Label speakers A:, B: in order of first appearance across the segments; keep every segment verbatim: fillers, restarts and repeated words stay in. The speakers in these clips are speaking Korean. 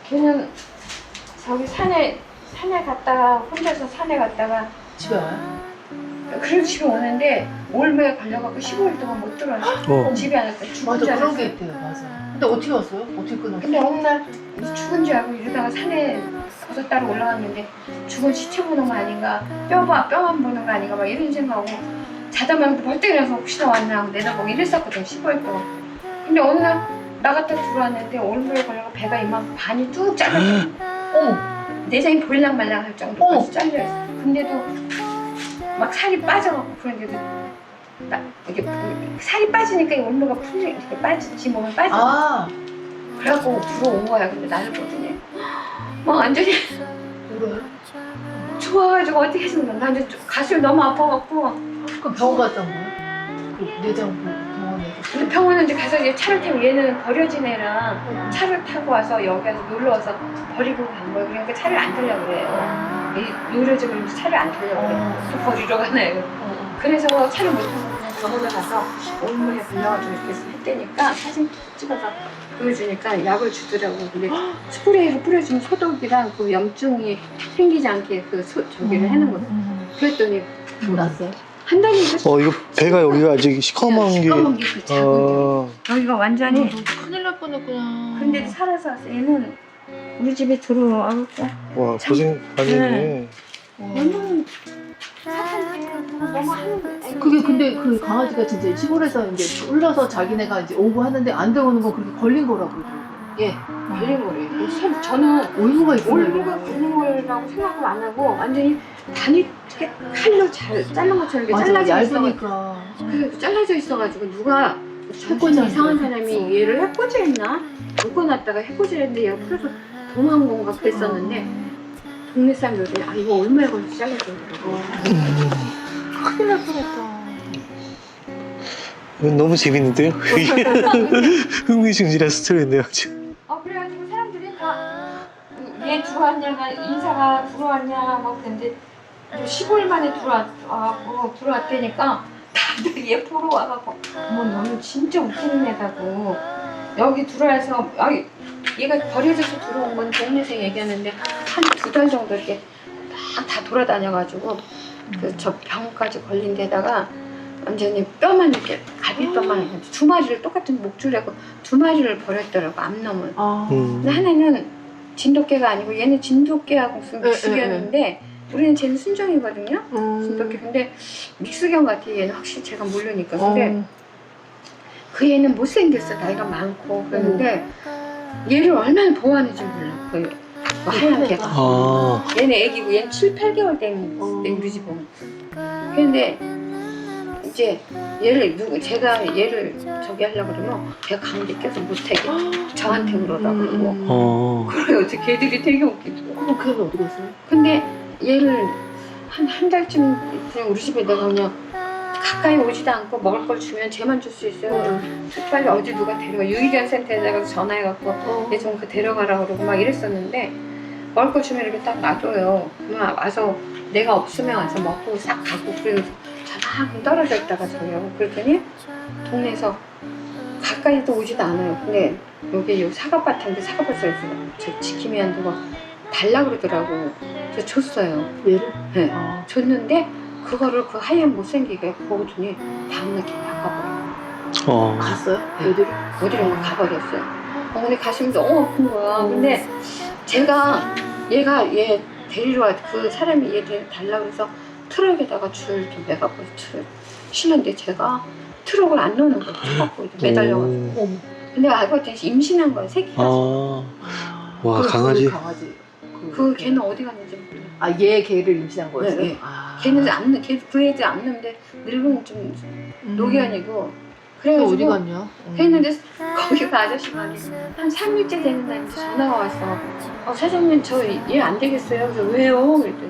A: 걔는 저기 산에 산에 갔다가 혼자서 산에 갔다가
B: 집에 와요?
A: 그래도 집에 오는데 올매에 걸려갖고 십오 일 동안 못 들어왔어.
C: 어.
A: 집에 안 왔다. 죽은
B: 맞아
A: 줄
B: 그런 게
A: 알았어.
B: 있대요. 맞아. 근데 어떻게 왔어요? 어떻게 끊었어요?
A: 근데 어느 날 죽은 줄 알고 이러다가 산에 버섯 따러 올라갔는데 죽은 시체 보는 거 아닌가, 뼈 봐, 뼈만 보는 거 아닌가 막 이런 생각하고 자다만 벌떡 일어나서 혹시나 왔나 하고 내다보고 이랬었거든. 십오 일 동안. 근데 어느 날 나갔다 들어왔는데 올매에 걸려서 배가 이만 반이 뚝 잘렸어.
B: 어머.
A: 내장이 보일랑 말랑 할 정도까지 잘려있어. 근데도 막 살이 빠져갖고 그런데도 나 이게 살이 빠지니까 이 온도가 풀리 이렇게 빠지지 몸에 빠져.
B: 아.
A: 그래갖고 들어온 거야. 근데 나를 보더니 막 완전히
B: 울어요?
A: 좋아가지고 어떻게 해서 나 이제 가슴이 너무 아파갖고.
B: 그럼 병원 갔다 온 거예요? 그 내장 병원에서.
A: 근데 병원에 이제 가서 이제 차를 타고 얘는 버려진 애랑 차를 타고 와서 여기 와서 놀러 와서 버리고 간 거예요. 그러니까 차를 안 타려고 그래요. 이 노려지고 이러면서 차를 안 타려고 그래요. 또 버리러 가나요. 그래서 차를 못 타고 그냥 병원에 가서 온몸에 걸려가지고 이렇게 했다니까 사진 찍어서 보여주니까 약을 주더라고. 근데 스프레이로 뿌려주는 소독이랑 그 염증이 생기지 않게 그 소, 저기를 해놓은 거예요. 그랬더니
B: 났어요?
A: 한 달인가?
C: 어, 이거 배가 여기가 아직 시커먼 게.
A: 시커먼 게그 작은
C: 어.
A: 게 여기가 완전히.
B: 큰일 날 뻔했구나.
A: 근데도 살아서 왔어. 얘는 우리 집에 들어와갖고
C: 와, 고생 많이 했네.
A: 얘는 사탄 너무 하는.
B: 그게 근데 그 강아지가 진짜 시골에서 이제 올라서 자기네가 이제 오고 하는데 안 들어오는 거 그렇게 걸린 거라고 그러더라고요.
A: 예, 걸린 거래요. 참 저는
B: 올무가 있어요.
A: 올무가 걸린 거라고 생각을 안 하고 완전히 단이 이렇게 칼로 잘 자른 것처럼 이렇게
B: 맞아,
A: 잘라져 있어.
B: 얇으니까.
A: 그 잘라져 있어가지고 누가
B: 해코지
A: 정신 이상한 사람이 얘를 해코지했나? 묶어놨다가 해코지했는데 얘가 풀어서 도망간 건가 그랬었는데 동네 사람들이 아 이거 얼마에 걸려서 잘라주더라고.
B: 큰일 날 뻔했다.
C: 이건 너무 재밌는데요? 흥미진진한 스토리인데요, 지금.
A: 어 그래가지고 사람들이 다얘 들어왔냐가 인사가 들어왔냐 막 그랬는데 십오 일 만에 들어왔고 들어왔다니까 다들 얘 보러 와갖고 어머 너는 진짜 웃기는 애다고 여기 들어와서 아 얘가 버려져서 들어온 건 동네에서 얘기하는데 한 두 달 정도 이렇게 다, 다 돌아다녀가지고 그 저 병까지 걸린 데다가 완전히 뼈만 이렇게 갈비뼈만 음. 두 마리를 똑같은 목줄하고 두 마리를 버렸더라고 암놈을.
B: 아.
C: 음.
A: 근데 하나는 진돗개가 아니고 얘는 진돗개하고 무슨
B: 에,
A: 믹스견인데 우리는 쟤는 순정이거든요.
B: 음.
A: 진돗개. 근데 믹스견 같아. 얘는 확실히 제가 모르니까. 근데
B: 어.
A: 그 얘는 못생겼어. 나이가 많고 그런데 얘를 얼마나 보호하는지 몰라. 그 하얀 개가.
C: 아.
A: 얘는 애기고 얘는 칠, 팔 개월 된
B: 어.
A: 우리 집 오면. 그런데 이제 얘를 누구 제가 얘를 저기 하려고 그러면 걔가 가운데 껴서 못하게 저한테 그러라 그러고
C: 어.
A: 그래 어째 걔들이 되게 웃기더라고.
B: 그럼 걔는 어디 갔어요?
A: 근데 얘를 한 한 달쯤 그냥 우리 집에 내가 그냥 가까이 오지도 않고 먹을 걸 주면 쟤만 줄 수 있어요. 빨리 어디 누가 데려가 유기견 센터에다가 전화해갖고
B: 어.
A: 얘 좀 그 데려가라 그러고 막 이랬었는데 먹을 걸 주면 이렇게 딱 놔둬요. 그러면 와서 내가 없으면 와서 먹고 싹 가고 그러면서 저만큼 떨어져 있다가 저요. 그랬더니 동네에서 가까이도 오지도 않아요. 근데 여기 요 사과밭인데 사과밭에서 저 지킴이 한 누가 달라 그러더라고. 저 줬어요.
B: 얘를?
A: 네.
B: 아.
A: 줬는데 그거를 그 하얀 못생기게 보더니 다음날 걔 나가버려.
C: 어.
B: 갔어요?
A: 네.
B: 애들이?
A: 어디로 가버렸어요. 어, 근데 가슴이 너무 아픈 거야. 근데 제가 얘가 얘 데리러 와, 그 사람이 얘 데리러 달라 그래서 트럭에다가 줄 이렇게 매갖고 줄 실는데 제가 트럭을 안 넣는 거야. 갖고 매달려가지고.
B: 어머.
A: 근데 알고 봤더니 임신한 거야, 새끼가.
C: 아. 와,
B: 그,
C: 강아지.
B: 그 강아지. 그,
A: 그 걔는 어디 갔는지 몰라.
B: 아, 얘 걔를 임신한 거였어요?
A: 네, 네.
B: 아.
A: 걔는 안, 넣- 걔, 그 애들 안 넣는데 늙은 좀
B: 음.
A: 노견이고.
B: 걔 어디
A: 그래가지고
B: 갔냐? 음.
A: 그랬는데 거기 그 아저씨가 한 삼 일째 되는 날 전화가 왔어. 어, 사장님 저 얘 안 되겠어요. 그래서 왜요? 그랬더니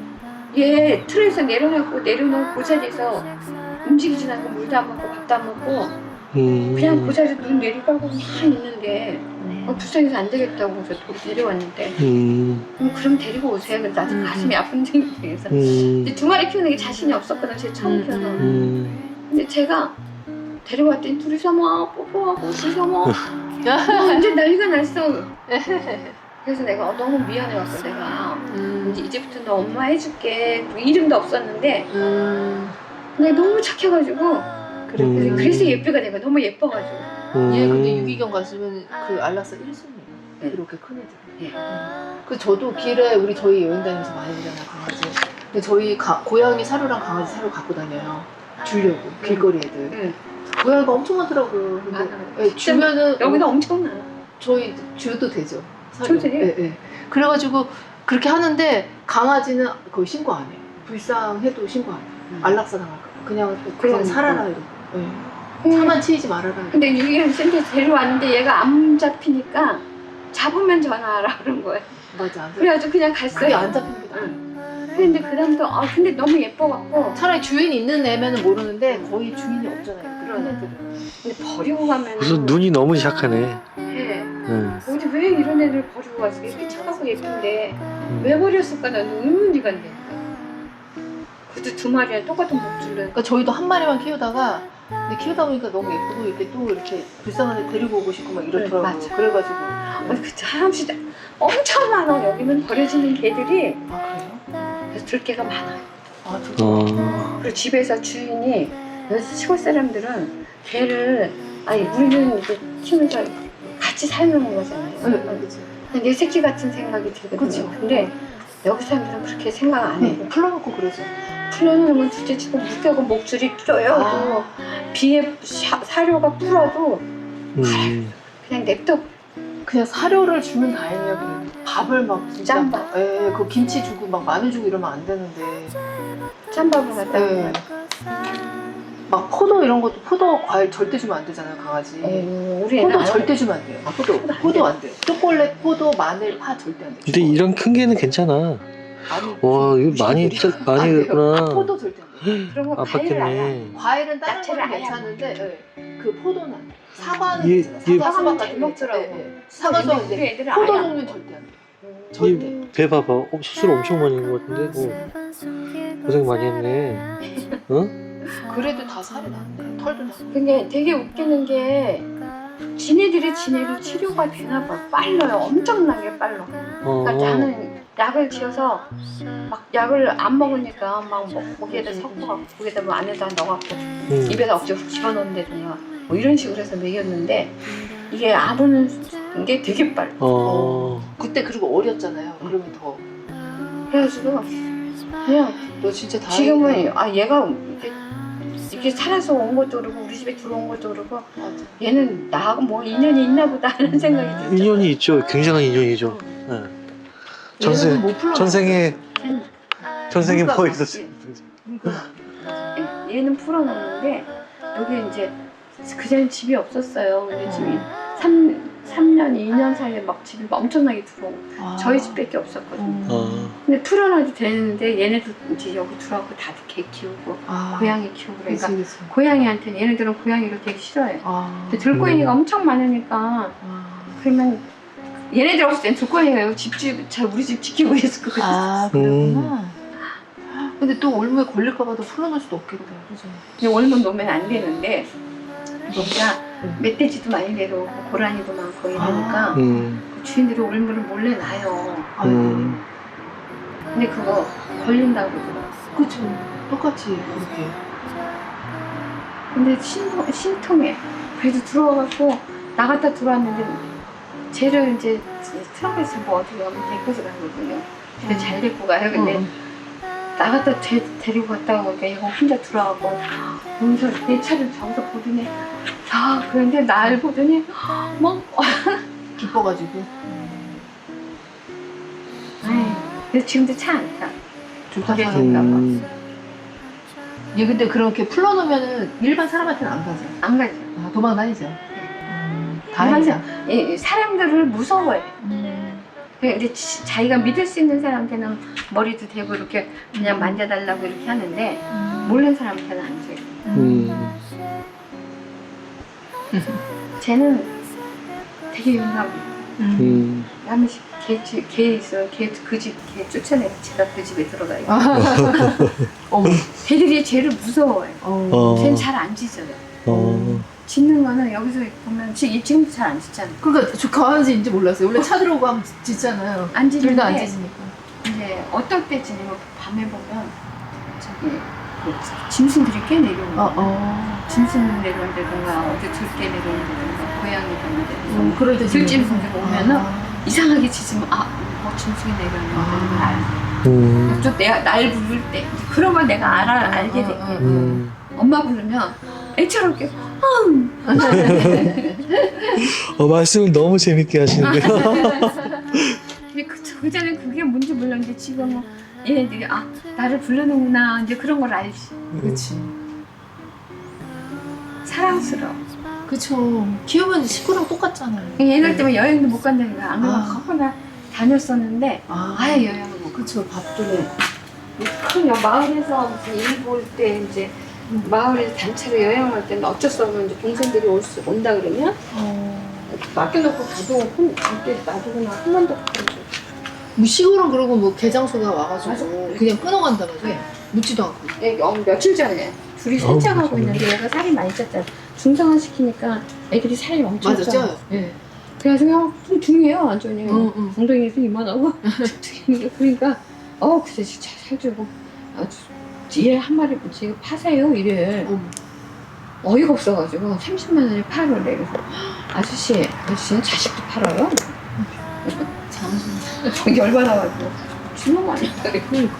A: 얘 틀에서 내려놓고 내려놓은 그 자리에서 움직이지 않고 물도 안 먹고 밥도 안 먹고
C: 음.
A: 그냥 그 자리에 눈 내리깔고 막 있는데 어, 불쌍해서 안 되겠다고 그래서 돌이 데려왔는데
C: 음.
A: 음, 그럼 데리고 오세요. 그래서 나도
B: 음.
A: 가슴이 아픈 생각해서
C: 음.
A: 두 마리 키우는 게 자신이 없었거든. 제 처음
B: 음.
A: 키워서.
C: 음.
A: 근데 제가 데려왔더니 둘이서 막 뽀뽀하고 둘이서 막 완전 난리가 났어. 그래서 내가 너무 미안해갖고 내가
B: 음.
A: 이제 이제부터 너 엄마 해줄게. 이름도 없었는데
B: 음.
A: 내가 너무 착해가지고
B: 그래.
C: 음.
A: 그래서 예쁘가 내가 너무 예뻐가지고.
C: 음.
B: 얘 근데 유기견 갔으면 그 알라스 일 순위예요.
A: 네.
B: 이렇게 큰 애들.
A: 예.
B: 그 저도 길에 우리 저희 여행 다니면서 많이 보잖아요 강아지. 근데 저희 가, 고양이 사료랑 강아지 사료 갖고 다녀요. 주려고 길거리 애들.
A: 응.
B: 고양이가 엄청 많더라고요. 근데
A: 많아요.
B: 예, 주면은
A: 여기는 엄청나.
B: 저희 줘도 되죠. 사료.
A: 줘도 돼요?
B: 예, 예. 그래가지고 그렇게 하는데 강아지는 거의 신고 안 해요. 불쌍해도 신고 안 해요.
A: 음.
B: 안락사 당할까 봐. 그냥 그냥
A: 그러니까.
B: 살아라 이러고. 예.
A: 음.
B: 차만 치이지 말아라. 이러고.
A: 근데 유기견 센터 데려왔는데 얘가 안 잡히니까 잡으면 전화하라 그런 거예요.
B: 맞아. 안 잡-
A: 그래가지고 그냥
B: 그게
A: 갔어요.
B: 안 잡히는 게 나아.
A: 응. 근데 그 다음부터 아 근데 너무 예뻐갖고
B: 차라리 주인 있는 애면은 모르는데 거의 주인이 없잖아요. 그런 애들은.
A: 근데 버리고 가면
C: 무슨 눈이 너무 착하네.
A: 예.
C: 응.
A: 어디 왜 이런 애들 버리고 가지? 이렇게 착하고 예쁜데
C: 음.
A: 왜 버렸을까? 나는 의문이 간다니까. 그것도 두 마리랑 똑같은 목줄로.
B: 그러니까 저희도 한 마리만 키우다가 근데 키우다 보니까 너무 예쁘고 이렇게 또 이렇게 불쌍한 애 데리고 오고 싶고 막 이렇더라고요.
A: 네, 맞아.
B: 그래가지고.
A: 아니 그 사람씩 엄청 많아. 여기는 버려지는 개들이
B: 아 그래요?
A: 그래서 들개가 많아요.
B: 아 진짜.
C: 어.
A: 그리고 집에서 주인이 여기 시골 사람들은 개를 아니 우리는 이제 키우면서 같이 살는 거잖아요.
B: 네, 네, 그치.
A: 내 새끼 같은 생각이 들거든요.
B: 그쵸.
A: 근데 여기 사람들은 그렇게 생각 안 해.
B: 네, 풀어놓고 그러죠.
A: 풀어놓으면 둘째 치고 묶여고 목줄이 쪼여도
B: 아.
A: 비에 사, 사료가 불어도
C: 음.
A: 그냥 냅둬.
B: 그냥 사료를 주면 다행이야. 그래도. 밥을 막 진짜
A: 짬밥.
B: 예, 그 김치 주고 막 마늘 주고 이러면 안 되는데.
A: 짬밥을 갖다
B: 예.
A: 놓으면
B: 막 포도 이런 것도 포도 과일 절대 주면 안 되잖아요 강아지.
A: 어, 우리 애는
B: 포도
A: 안
B: 절대 주면 안 돼요.
A: 아,
B: 포도
A: 포도 안
B: 포도 안 돼요. 초콜릿, 포도, 마늘, 파 절대 안 돼요.
C: 근데 이런 큰 개는 괜찮아.
B: 아니,
C: 와, 이거 많이
B: 무슨
C: 짜- 많이
B: 안 돼요.
C: 됐구나.
B: 아, 포도 절대 안 돼요.
A: 그런 거 과일을 안 해.
C: 아팠겠네.
B: 과일은 다른
A: 야채를
B: 거는
A: 아예 안
B: 괜찮은데 예. 그 포도는 사과는
C: 얘-
B: 괜찮아요.
C: 얘-
B: 사과,
A: 사과는
B: 수박
A: 잘
B: 같은
A: 먹더라고.
B: 게, 예, 예. 사과
A: 근데
B: 수박
A: 우리
B: 이제
A: 애들은
B: 포도
A: 아예 안
B: 종류는
A: 먹어.
B: 절대 안 돼요.
A: 음.
B: 절대.
C: 이 배 봐봐. 어, 수술 엄청 많이 한 것 같은데. 어. 고생 많이 했네. 어?
B: 그래도 다 살이 나는데 털도 나.
A: 근데 되게 웃기는 게 지네들이 지네로 치료가 되나 봐. 빨라요. 엄청나게 빨라.
C: 어.
A: 그러니까 나는 약을 지어서 막 약을 안 먹으니까 막 목- 목에다 섞어갖고 목에다 뭐 안에다 넣어갖고
C: 음.
A: 입에다 억지로 집어넣는다든가 뭐 이런 식으로 해서 먹였는데 이게 아무는 게 되게 빨라.
C: 어.
B: 그때 그리고 어렸잖아요. 그러면 더.
A: 그래가지고 그냥
B: 너 진짜 다행이다.
A: 지금은 아 얘가 이렇게, 이렇게 살아서 온 것도 그렇고 우리 집에 들어온 것도 그렇고
B: 맞아.
A: 얘는 나하고 뭐 인연이 있나 보다 하는 생각이 들죠.
C: 인연이 있죠. 굉장한 인연이죠. 네. 전생
B: 얘는 못 풀러
C: 전생에
A: 응.
C: 전생에
B: 물감
C: 뭐
B: 맞지?
C: 있었지.
A: 얘는 풀어놓는데 여기 이제 그전에 집이 없었어요. 근데 집이 삼, 삼 년, 이 년 사이에 막 집이 엄청나게 들어오고
B: 아.
A: 저희 집밖에 없었거든요.
B: 음.
C: 어.
A: 근데 풀어놔도 되는데 얘네도 이제 여기 들어와서 다들 개 키우고
B: 아.
A: 고양이 키우고 그러니까
B: 그치, 그치.
A: 고양이한테는 얘네들은 고양이를 되게 싫어해요.
B: 아.
A: 근데 들고양이가
C: 음.
A: 엄청 많으니까
B: 아.
A: 그러면 얘네들 없을 땐 들고양이가 여기 집집 잘 우리 집 지키고 있을 것 같아.
B: 아, 그랬구나. 근데 또 올무에 걸릴까봐도 풀어놓을 수도 없겠다. 그죠?
A: 그냥 얼면 놓으면 안 되는데 여기가
B: 음.
A: 멧돼지도 많이 내려오고 고라니도 많고 이러니까
C: 음.
A: 그 주인들이 올무를 몰래 놔요.
B: 아이고.
C: 음.
A: 근데 그거 걸린다고 그러더라고.
B: 그쵸. 똑같이 그렇게.
A: 근데 신, 신통해. 그래도 들어와갖고 나갔다 들어왔는데 쟤를 이제 트렁크에서 뭐 어떻게 하면 데리고서 가거든요. 근데
B: 음.
A: 잘 데리고 가요. 근데
B: 어.
A: 나갔다 데, 데리고 갔다가 보니까 얘가 혼자 들어와갖고 여기서 내 차를 저기서 보더니 아 그런데 날 보더니 뭐
B: 기뻐가지고.
A: 아이, 그래서 지금도 차 안 타.
B: 좋다
A: 그래.
B: 사람.
C: 음.
B: 얘 근데 그렇게 풀어놓으면은 일반 사람한테는 안 가죠.
A: 안 가죠.
B: 아, 도망 다니죠. 음,
A: 항상
B: 다행이다.
A: 이 사람들을 무서워해.
B: 음.
A: 근데 지- 자기가 믿을 수 있는 사람한테는 머리도 대고 이렇게 그냥 만져달라고 이렇게 하는데 모르는 사람한테는 안 줘요.
C: 음.
A: 쟤는 되게 용감해.
C: 음.
A: 한 번씩 개, 집- 개 있어. 걔 그 집, 걔 쫓아내서 제가 그 집에 들어가요.
B: 어머.
A: 걔들이 쟤를 무서워해.
B: 어.
C: 어.
A: 쟤는 잘 안 짖어요.
C: 어.
A: 짖는 거는 여기서 보면 지금 지금도 잘 안 짖잖아.
B: 그러니까 저 강아지인지 몰랐어요. 원래 차 들어오고 하면 짖잖아요.
A: 안 짖는데
B: 둘 다 안 짖으니까.
A: 이제 어떨 때 짖냐면 밤에 보면 저기 그 짐승들이 꽤 내려오는
B: 어,
A: 거야.
B: 어.
A: 짐승 내려온다든가 어디 들깨 내려온다든가 고양이 내려온다든가
B: 음, 그럴 때
A: 들짐승들 오면은
B: 아.
A: 이상하게 짖으면 아뭐 짐승이 내려온다는 걸 알고
C: 음.
A: 또 내가 날 부를 때 그런 걸 내가 알아 알게 돼.
C: 음.
A: 엄마 부르면 애처럼 이렇게 음.
C: 어, 말씀을 너무 재밌게 하시는데요.
A: 근데 그, 그 전에 그게 뭔지 몰랐는데 지금은 얘네들이 아 나를 부르는구나 이제 그런 걸 알지.
B: 그렇지.
A: 사랑스러워.
B: 그쵸. 키우면 식구랑 똑같잖아요.
A: 얘들 때문에 여행도 못 간다는 거야. 안 그러면
B: 아.
A: 거꾸나 다녔었는데
B: 아,
A: 아예 여행을 못 가.
B: 그쵸. 밥도
A: 큰 여- 마을에서 무슨 일 볼 때 이제 마을에서 단체로 여행을 할 때는 어쩔 수 없는 이제 동생들이 올 수, 온다 그러면
B: 어.
A: 맡겨놓고 가도 혼 그때 놔두거나 한 번도 못 가고.
B: 뭐 시골은 그러고 뭐 개장소가 와가지고
A: 맞아.
B: 그냥 끊어간다면서
A: 네.
B: 묻지도 않고.
A: 애기 어, 며칠 전에 둘이
C: 어우,
A: 산책하고
C: 정말.
A: 있는데 얘가 살이 많이 쪘잖아. 중성화 시키니까 애들이 살이 엄청
B: 맞아,
A: 쪄.
B: 쪄요.
A: 예. 그래가지고 그냥 좀 둥해요 완전히.
B: 응, 응.
A: 엉덩이에서 이만하고 둥해. 그러니까 어 그래 진짜 살주고 어, 얘 한 마리 지금 파세요 이래.
B: 어머.
A: 어이가 없어가지고 삼십만 원에 팔으래. 그래서 아저씨 아저씨는 자식도 팔아요?
B: 잠시.
A: 열받아가지고 주는 거 아니야? 그래.
B: 그러니까.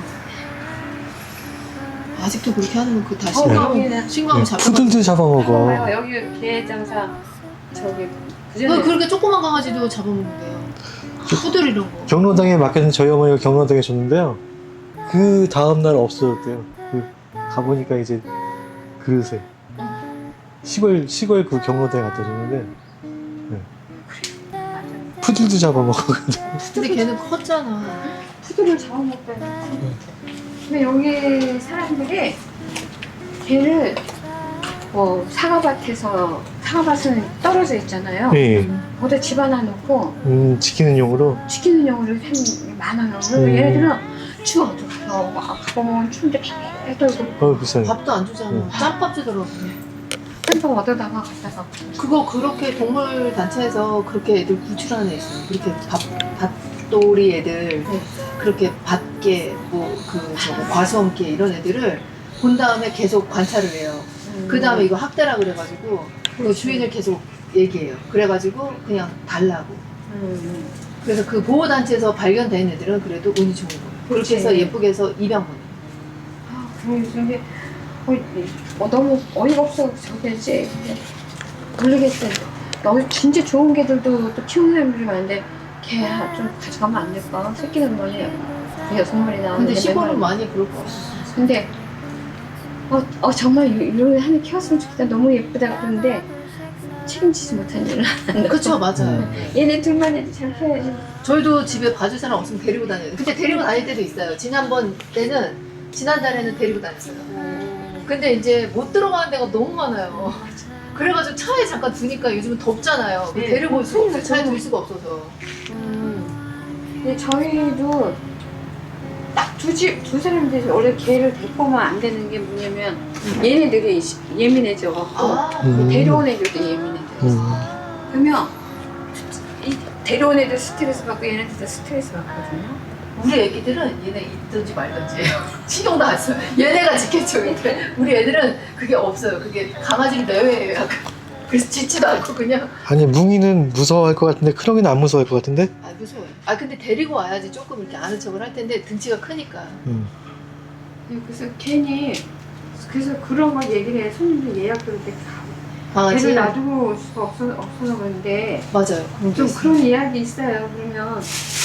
B: 아직도 그렇게 하는 거 그 다시.
A: 어,
C: 네.
A: 여기는
B: 신고하면
C: 네,
B: 잡혀.
C: 푸들도 잡아먹어.
A: 봐봐요. 여기 개 장사 저기
B: 그
A: 그전에
B: 그렇게 조그만 강아지도 잡아먹는데요. 푸들 이런 거.
C: 경로당에 맡겨진 저희 어머니가 경로당에 줬는데요. 그 다음날 없어졌대요. 그 가보니까 이제 그릇에 시골 시골 그 경로당에 갖다 줬는데 푸들도 잡아먹거든.
B: 근데 걔는 컸잖아.
A: 푸드를 잡아먹다니. 근데 여기 사람들이 개를 뭐 사과밭에서 사과밭은 떨어져 있잖아요.
C: 네,
A: 거기다 집 하나 놓고
C: 음, 지키는 용으로.
A: 지키는 용으로 한 많아요. 그래서
C: 음.
A: 얘네들은 추워도 가서 막 가보면 추운데 배 떨고
C: 어, 비싸네.
B: 밥도 안 주잖아.
C: 응.
B: 짬밥 주더라고.
A: 햄버거 얻어다가 갖다가
B: 그거 그렇게 동물 단체에서 그렇게 애들 구출하는 애 있어요. 그렇게 밥 밭돌이 애들
A: 네.
B: 그렇게 밭개 뭐그 저거 과수원개 이런 애들을 본 다음에 계속 관찰을 해요. 그 다음에 이거 학대라 그래가지고 그 주인을 계속 얘기해요. 그래가지고 그냥 달라고.
A: 음.
B: 그래서 그 보호단체에서 발견된 애들은 그래도 운이 좋은 거예요. 그렇게 해서
A: 그렇지.
B: 예쁘게 해서 입양 보내요.
A: 아, 그런데 어, 어, 너무 어이가 없어 저게 이제 모르겠어요. 여기 진짜 좋은 개들도 또 키우는 사람들이 많은데 걔 좀 가져가면 안 될까? 새끼는 뭐니 여섯 마리 나오는데
B: 근데 시골은
A: 맨날-
B: 많이 그럴 것 같아요.
A: 근데 어, 어 정말 이- 이런 애 하나 키웠으면 좋겠다. 너무 예쁘다 그러는데 책임지지 못한 일을 한다.
B: 그쵸, 맞아요.
C: 음.
A: 얘네 둘만 해도 잘 키워야지.
B: 저희도 집에 봐줄 사람 없으면 데리고 다녀요. 근데 데리고 다닐 때도 있어요. 지난번 때는, 지난달에는 데리고 다녔어요. 근데 이제 못 들어가는 데가 너무 많아요. 그래가지고 차에 잠깐 두니까 요즘은 덥잖아요.
A: 네.
B: 데리고 올 수가 없어요. 차에
A: 저는-
B: 둘 수가 없어서.
A: 음. 근데 저희도 딱 두 집, 두 사람들이 원래 개를 데리고 오면 안 되는 게 뭐냐면 얘네들이 예민해져갖고
B: 아,
C: 음.
A: 데려온 애들도 예민해져.
C: 음.
A: 그러면 이 데려온 애들 스트레스 받고 얘네들도 스트레스 받거든요.
B: 우리 애기들은 얘네 있든지 말든지 신경도 안 써요. 얘네가 지켜줘. 근데 우리 애들은 그게 없어요. 그게 강아지를 내외해요. 약간. 그래서 짖지도 않고 그냥.
C: 아니 뭉이는 무서워할 것 같은데 크롱이는 안 무서워할 것 같은데?
B: 아 무서워요. 아 근데 데리고 와야지 조금 이렇게 아는 척을 할 텐데 등치가 크니까.
C: 음.
A: 그래서 괜히 그래서 그런 걸 얘기를 해. 손님들 예약 들을 때
B: 강아지.
A: 애를 놔두고 올 수가 없어, 없어서 그런데
B: 맞아요. 그런 게
A: 좀
B: 있어요.
A: 그런 이야기 있어요. 그러면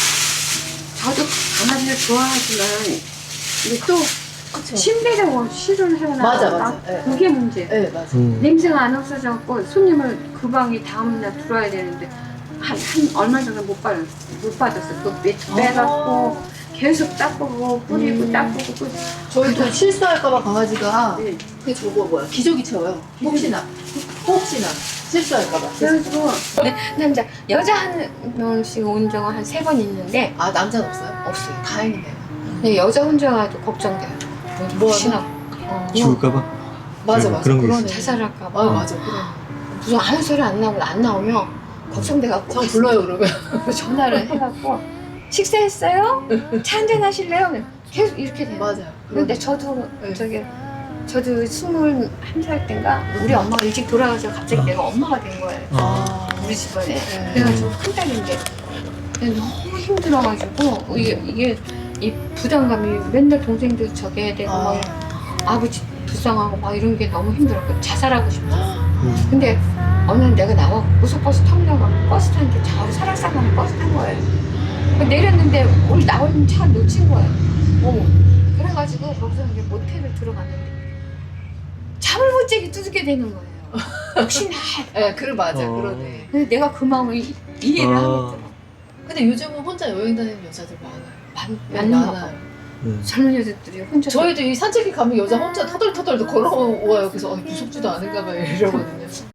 A: 저도 강아지를 좋아하지만 근데 또
B: 그쵸.
A: 침대라고 실을 해놔.
B: 맞아, 맞아. 예.
A: 그게 문제.
B: 네 맞아.
C: 음.
A: 냄새가 안 없어져갖고 손님을 그 방에 다음날 들어와야 되는데 한, 한 얼마 전에 못 받았어. 못 받았어. 그 빼, 빼갖고 계속 닦고 뿌리고
B: 음.
A: 닦고 뿌리고.
B: 저희도 실수할까봐 강아지가
A: 네.
B: 그게 저거 뭐야 기저귀 채워요. 혹시나 혹시나 실수할까봐.
A: 그래가지고 네, 남자 여자 한 명씩 온 적은 한 세 번 있는데
B: 아 남자는 없어요?
A: 없어요.
B: 다행이네요.
A: 근데 여자 혼자가 또 걱정돼요.
B: 뭐
A: 혹시나
B: 하나?
A: 어,
C: 죽을까봐?
B: 맞아
C: 음,
B: 맞아.
C: 그런 게
B: 그러네.
A: 자살할까봐.
B: 아 맞아 그래.
A: 무슨 아무 소리 안 나오고 안 나오면 걱정돼갖고
B: 저 불러요 그러면.
A: 전화를 해갖고 식사했어요? 차 한잔 하실래요? 계속 이렇게 돼요.
B: 맞아요.
A: 근데 저도
B: 네.
A: 저기 저도 스물한 살 때인가 우리 엄마가 일찍 돌아가서 갑자기
C: 어.
A: 내가 엄마가 된 거예요.
C: 아.
A: 우리 집안에.
B: 네.
A: 그래가지고 큰 딸인데 너무 힘들어가지고 이게, 이게 이 부담감이 맨날 동생들 저기 해야 되고
B: 아.
A: 막 아버지 불쌍하고 막 이런 게 너무 힘들었고 자살하고 싶어.
C: 음.
A: 근데 어느 날 내가 나와 고속버스 터미널 버스 타는데 저 설악산가는 버스 탄 거예요. 내렸는데 우리 나오는 차 놓친 거예요. 어머. 그래가지고 거기서 이제 모텔을 들어갔는데 잠을 못 자게 두둑게 되는 거예요. 혹시나.
B: 예, 그래 맞아,
C: 어.
B: 그러네.
A: 근데 내가 그 마음을 이- 이해를
C: 아.
A: 하겠더라고.
B: 근데 요즘은 혼자 여행 다니는 여자들 많아요.
A: 많-
B: 네,
A: 많나 봐.
B: 많아요.
C: 네.
A: 젊은 여자들이 혼자
B: 저희도 이 산책에 가면 여자 혼자 터덜터덜 걸어와요. 그래서 어, 무섭지도 않은가 봐요 이러거든요.